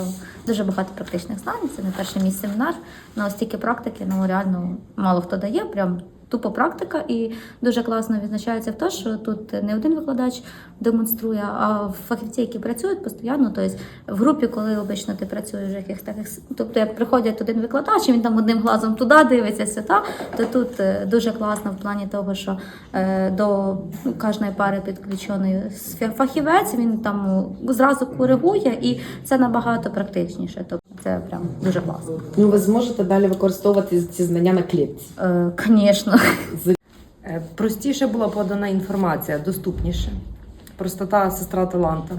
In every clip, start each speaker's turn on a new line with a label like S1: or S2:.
S1: Дуже багато практичних знань, це не перший мій семінар, але стільки практики, реально мало хто дає, прям тупо практика, і дуже класно відзначається в те, що тут не один викладач демонструє, а фахівці, які працюють постійно, тобто в групі, коли обично ти працюєш в якихось таких, тобто як приходить один викладач, і він там одним глазом туди дивиться, сюди, то тут дуже класно в плані того, що до кожної пари підключений фахівець, він там зразу коригує, і це набагато практичніше, тобто це прям дуже класно.
S2: Ну, ви зможете далі використовувати ці знання на клітці?
S1: Звісно.
S3: Простіше була подана інформація, доступніше. Простота – сестра таланта.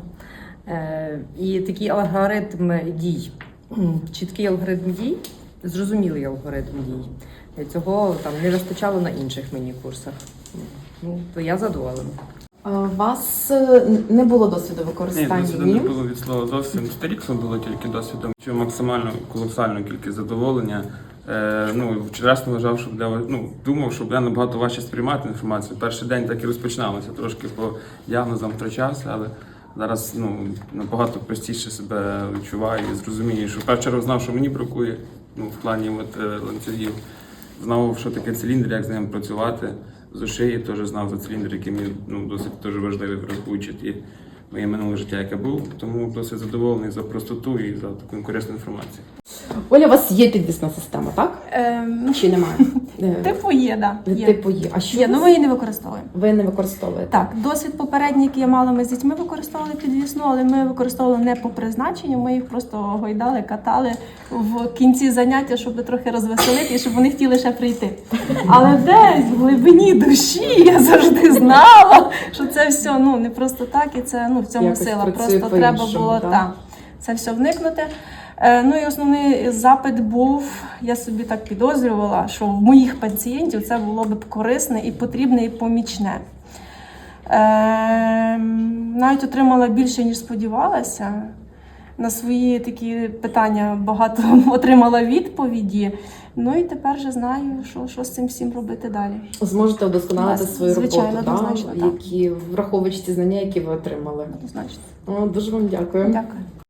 S3: І такий алгоритм дій, чіткий алгоритм дій, зрозумілий алгоритм дій. Цього там не вистачало на інших міні-курсах. То я задоволена.
S2: У вас не було досвіду використання?
S4: Ні, досвіду не було від слова зовсім. Сторіксом було тільки досвідом. Що максимально колосальну кількість задоволення. Чесно вважав, що думав, що я набагато важче сприймати інформацію. Перший день так і розпочиналося, трошки по діагнозам втрачався, але зараз набагато простіше себе відчуваю і зрозумію, що в першу чергу знав, що мені бракує в плані ланцюгів. Знав, що таке циліндр, як з ним працювати. З шиї теж знав за циліндр, який мені досить дуже важливий, враховуючи моє минуле життя, яке було. Тому досить задоволений за простоту і за таку корисну інформацію.
S2: Оля, у вас є підвісна система, так? Чи немає?
S5: Типу є, так. Да,
S2: Типу є. А що
S5: є, ми її не використовуємо.
S2: ви не використовуєте?
S5: Так, досвід попередній, який я мала, ми з дітьми використовували підвісну, але ми використовували не по призначенню, ми їх просто гойдали, катали в кінці заняття, щоб трохи розвеселити і щоб вони хотіли ще прийти. Але десь в глибині душі я завжди знала, що це все не просто так, і це в цьому
S2: якось
S5: сила.
S2: працює
S5: Просто треба
S2: по-іншому,
S5: було це все вникнути. І основний запит був, я собі так підозрювала, що в моїх пацієнтів це було б корисне і потрібне, і помічне. Навіть отримала більше, ніж сподівалася. На свої такі питання багато отримала відповіді. І тепер вже знаю, що з цим всім робити далі.
S2: Зможете вдосконалити свою
S5: звичайно,
S2: роботу,
S5: однозначно, так.
S2: враховуючи ті знання, які ви отримали.
S5: Однозначно.
S2: Дуже вам дякую.
S5: Дякую.